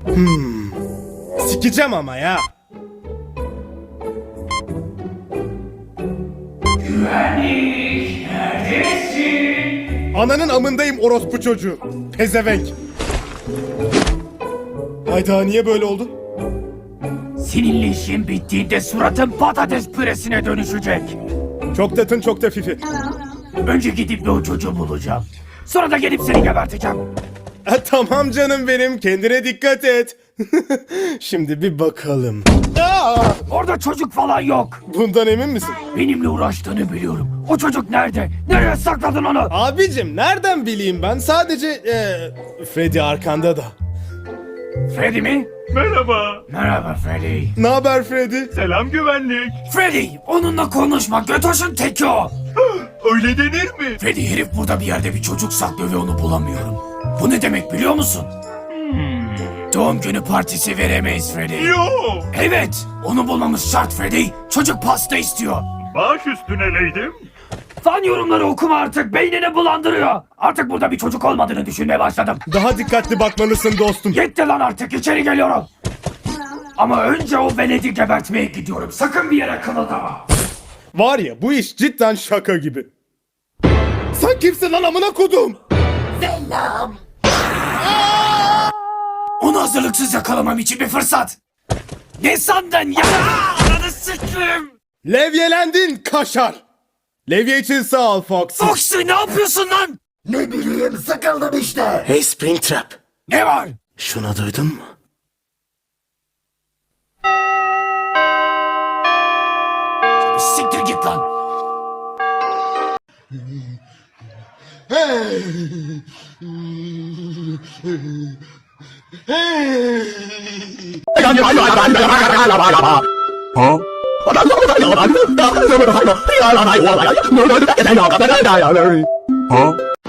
Sikeceğim ama ya. Güvenlik, neredesin? Ananın amındayım orospu çocuğu. Pezevenk. Hayda, niye böyle oldu? Seninle işin bittiğinde suratın patates püresine dönüşecek. Çok tatın çok da fifi. Önce gidip de o çocuğu bulacağım. Sonra da gelip seni geberteceğim. Tamam canım benim, kendine dikkat et. Şimdi bir bakalım. Aa! Orada çocuk falan yok. Bundan emin misin? Benimle uğraştığını biliyorum. O çocuk nerede? Nereye sakladın onu? Abicim nereden bileyim ben, sadece Freddy arkanda da. Freddy mi? Merhaba. Merhaba Freddy. Ne haber Freddy? Selam güvenlik. Freddy, onunla konuşma. Götoş'un teki o. Öyle denir mi? Freddy, herif burada bir yerde bir çocuk saklıyor ve onu bulamıyorum. Bu ne demek biliyor musun? Doğum günü partisi veremeyiz Freddy. Yo. Evet, onu bulmamız şart Freddy. Çocuk pasta istiyor. Baş üstüne leydim. Fan yorumları okuma artık, beynini bulandırıyor. Artık burada bir çocuk olmadığını düşünmeye başladım. Daha dikkatli bakmalısın dostum. Yetti lan artık, içeri geliyorum. Ama önce o veledi gebertmeye gidiyorum. Sakın bir yere kımıldama. Var ya, bu iş cidden şaka gibi. Sen kimsin lan amına kodum? Onu hazırlıksız yakalamam için bir fırsat. Ne sandın ya? Ananı sikeyim. Levyelendin kaşar. Levye için sağ ol Fox. Foxy, ne yapıyorsun lan? Ne bileyim, sıkıldım işte. Hey Springtrap. Ne var? Şunu duydun mu? Siktir git lan. Huh?